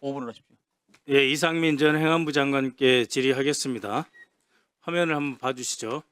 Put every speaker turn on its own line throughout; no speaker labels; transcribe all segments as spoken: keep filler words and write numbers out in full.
오 분을 하십시오.
예, 이상민 전 행안부 장관께 질의하겠습니다. 화면을 한번 봐주시죠.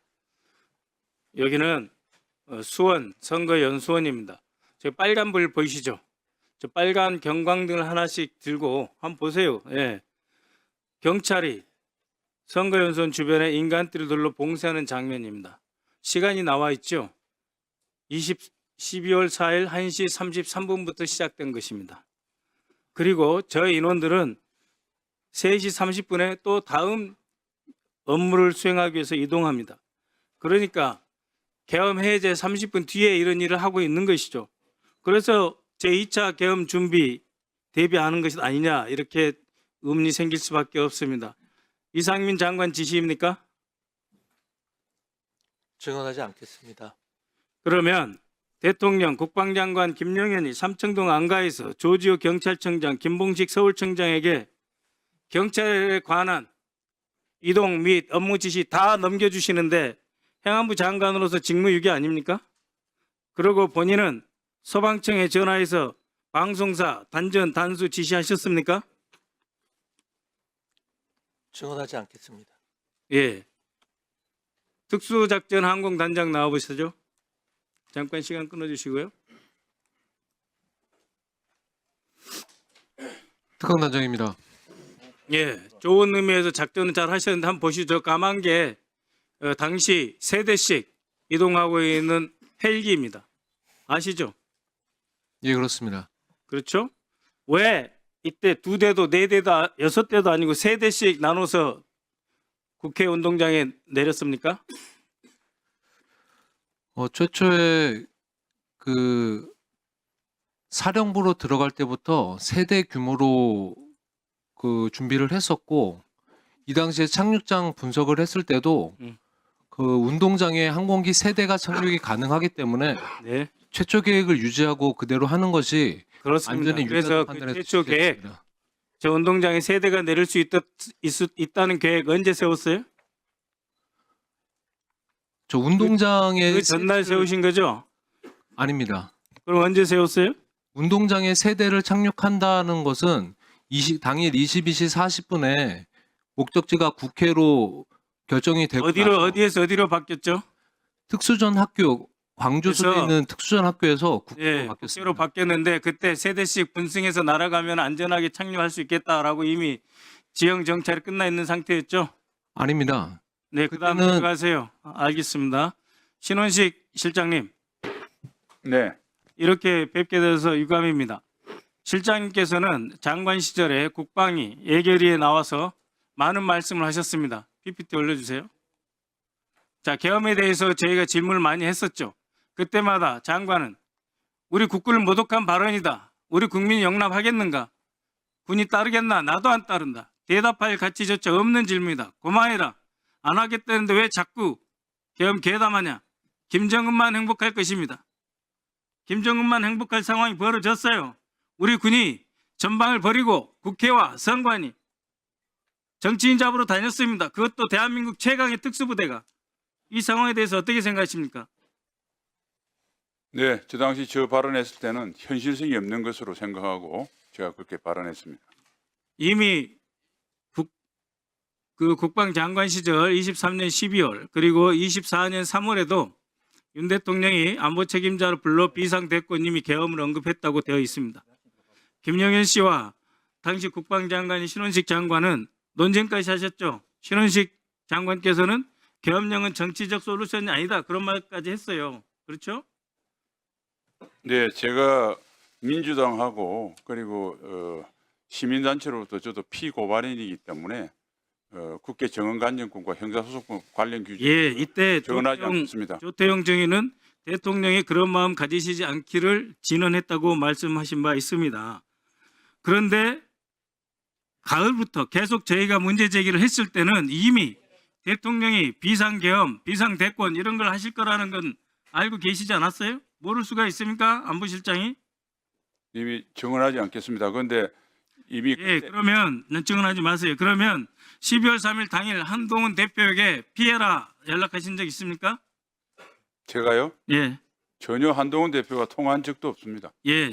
여기는 어, 수원 선거연수원입니다. 저 빨간 불 보이시죠? 저 빨간 경광등을 하나씩 들고 한번 보세요. 예. 경찰이 선거연수원 주변에 인간들을 둘러 봉쇄하는 장면입니다. 시간이 나와 있죠. 이십, 십이월 사일 한 시 삼십삼 분부터 시작된 것입니다. 그리고 저 인원들은 세 시 삼십 분에 또 다음 업무를 수행하기 위해서 이동합니다. 그러니까 계엄 해제 삼십 분 뒤에 이런 일을 하고 있는 것이죠. 그래서 제이 차 계엄 준비 대비하는 것이 아니냐 이렇게 의문이 생길 수밖에 없습니다. 이상민 장관 지시입니까?
증언하지 않겠습니다.
그러면 대통령 국방장관 김용현이 삼청동 안가에서 조지호 경찰청장 김봉식 서울청장에게 경찰에 관한 이동 및 업무 지시 다 넘겨주시는데 행안부 장관으로서 직무유기 아닙니까? 그리고 본인은 소방청에 전화해서 방송사 단전 단수 지시하셨습니까?
증언하지 않겠습니다.
예. 특수작전 항공단장 나와보시죠. 잠깐 시간 끊어주시고요.
특강단장입니다.
예, 좋은 의미에서 작전은 잘 하셨는데 한번 보시죠. 까만 게 어, 당시 세 대씩 이동하고 있는 헬기입니다. 아시죠?
예, 그렇습니다.
그렇죠? 왜 이때 두 대도 네 대도 아- 여섯 대도 아니고 세 대씩 나눠서 국회 운동장에 내렸습니까?
어, 최초에 그 사령부로 들어갈 때부터 세대 규모로 그 준비를 했었고, 이 당시에 착륙장 분석을 했을 때도
음.
그 운동장에 항공기 세 대가 착륙이 가능하기 때문에
네,
최초 계획을 유지하고 그대로 하는 것이
그렇습니다.
안전에
그래서
유리하다고
그
판단해서
최초 계획,
지시했습니다.
저 운동장에 세 대가 내릴 수 있다, 있, 있다는 계획 언제 세웠어요?
저 운동장에
그 전날
세대를-
세우신 거죠?
아닙니다.
그럼 언제 세웠어요?
운동장에 세 대를 착륙한다는 것은 이십, 당일 이십이 시 사십 분에 목적지가 국회로 결정이 되고
어디로
나서
어디에서 어디로 바뀌었죠?
특수전 학교 광주소에
그래서-
있는 특수전 학교에서 국회로
예,
바뀌었습니다.
국회로 바뀌었는데 그때 세 대씩 분승해서 날아가면 안전하게 착륙할 수 있겠다라고 이미 지형 정찰이 끝나 있는 상태였죠.
아닙니다.
네, 그다음
그때는-
들어가세요. 아, 알겠습니다. 신원식 실장님,
네,
이렇게 뵙게 돼서 유감입니다. 실장님께서는 장관 시절에 국방위 예결위에 나와서 많은 말씀을 하셨습니다. 피피티 올려주세요. 자, 계엄에 대해서 저희가 질문을 많이 했었죠. 그때마다 장관은 우리 국군을 모독한 발언이다. 우리 국민이 용납하겠는가? 군이 따르겠나? 나도 안 따른다. 대답할 가치조차 없는 질문이다. 고마해라. 안 하겠다는데 왜 자꾸 계엄 계담하냐? 김정은만 행복할 것입니다. 김정은만 행복할 상황이 벌어졌어요. 우리 군이 전방을 버리고 국회와 선관위 정치인 잡으러 다녔습니다. 그것도 대한민국 최강의 특수부대가. 이 상황에 대해서 어떻게 생각하십니까?
네, 저 당시 저 발언했을 때는 현실성이 없는 것으로 생각하고 제가 그렇게 발언했습니다.
이미 국, 그 국방장관 시절 이십삼 년 십이월 그리고 이십사 년 삼월에도 윤 대통령이 안보 책임자를 불러 비상대권님이 계엄을 언급했다고 되어 있습니다. 김영현 씨와 당시 국방장관인 신원식 장관은 논쟁까지 하셨죠. 신원식 장관께서는 계엄령은 정치적 솔루션이 아니다 그런 말까지 했어요. 그렇죠?
네, 제가 민주당하고 그리고 어, 시민단체로부터 저도 피고발인이기 때문에 어, 국회 정언관정권과 형사소송권 관련 규정
예, 이때
정언하지
조태용,
않겠습니다.
조태용 증인은 대통령이 그런 마음 가지시지 않기를 진언했다고 말씀하신 바 있습니다. 그런데 가을부터 계속 저희가 문제 제기를 했을 때는 이미 대통령이 비상계엄, 비상대권 이런 걸 하실 거라는 건 알고 계시지 않았어요? 모를 수가 있습니까? 안보실장이?
이미 정언하지 않겠습니다. 그런데 이미
예,
그때-
그러면 증언하지 마세요. 그러면 십이월 삼일 당일 한동훈 대표에게 피해라 연락하신 적 있습니까?
제가요
예,
전혀 한동훈 대표가 통화한 적도 없습니다.
예.